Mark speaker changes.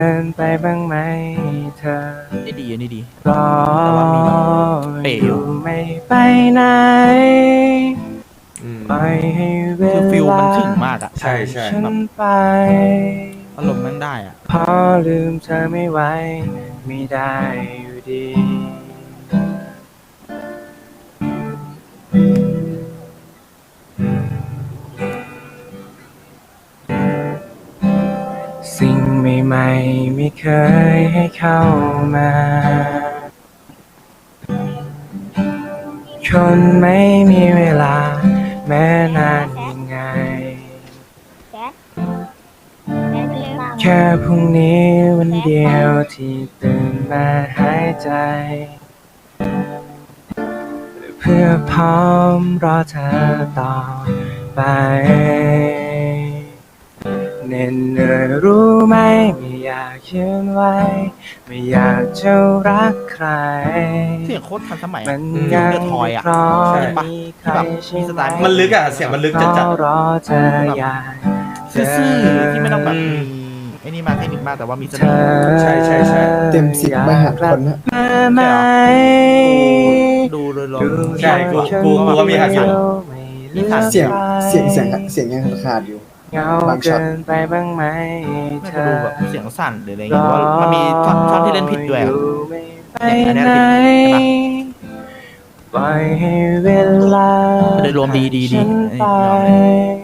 Speaker 1: ดินไปบ้างไหมเธอ
Speaker 2: นี่ดีนี่ดี
Speaker 1: รอ
Speaker 2: แต่ว่ามีแบบเป๋อยู่
Speaker 1: ไม่ไปไหนปล่อยให้เว
Speaker 2: คือฟิล
Speaker 1: ลา
Speaker 2: มันถึงมากอะ
Speaker 3: ใช่ใช่
Speaker 1: ฉันไป
Speaker 2: อารมณ์แม่งได้อะ
Speaker 1: พอลืมเธอไม่ไหวไม่ได้อยู่ดีสิ่งใหม่ๆไม่เคยให้เข้ามาคนไม่มีเวลาแม้นานยังไงแค่พรุ่งนี้วันเดียวที่ตื่นมาหายใจเพื่อพร้อมรอเธอต่อไปเหน็ดเหนื่อยรู้ไหมไม่อยากยืนไว้ไม่อยากจะรักใคร
Speaker 2: เสียงโคตรทันสมัย
Speaker 1: มั
Speaker 2: อะ
Speaker 1: น
Speaker 2: เสียง
Speaker 1: ยัง
Speaker 2: เดอะทอยอะ
Speaker 1: เพราะ
Speaker 3: ใช่
Speaker 1: มีใคร
Speaker 2: ที่แบบมีสไตล์
Speaker 3: มันลึกอ่ะเสียงมันลึกจัด
Speaker 1: เฝ้ารอเธออยาก
Speaker 2: ซื่อๆที่ไม่ต้องแบบมีไอ้นี่มาเทคนิคมากแต่ว่ามีเสน่ห์
Speaker 3: ใช่ใช่ใช่
Speaker 4: เต็ม10ไม่หักคนนะ
Speaker 1: ไหม
Speaker 2: ดูโดยรวม
Speaker 3: ใช่กูก็มีหักอยู่
Speaker 2: มีหัก
Speaker 4: เสียงยังขาดอยู่
Speaker 1: เงา
Speaker 4: บางช็อ
Speaker 1: เกิ
Speaker 4: ต
Speaker 1: นไปบ้างไหม
Speaker 2: ไม่
Speaker 1: เธ
Speaker 2: ก็
Speaker 1: อ
Speaker 2: ดูแบบเสียงสั่นหรืออะไรเงี้ยหรือว่ามันมีท่อนที่เล่นผิดด้วยอะ
Speaker 1: ไป
Speaker 2: อันเนี้ย
Speaker 1: ไหน
Speaker 2: ผิดใช่ปะ
Speaker 1: ปล่อยให้เวลา
Speaker 2: โดยรวมดี
Speaker 1: ฉัน
Speaker 2: อัน
Speaker 1: ไป
Speaker 2: นี้ยอมเลย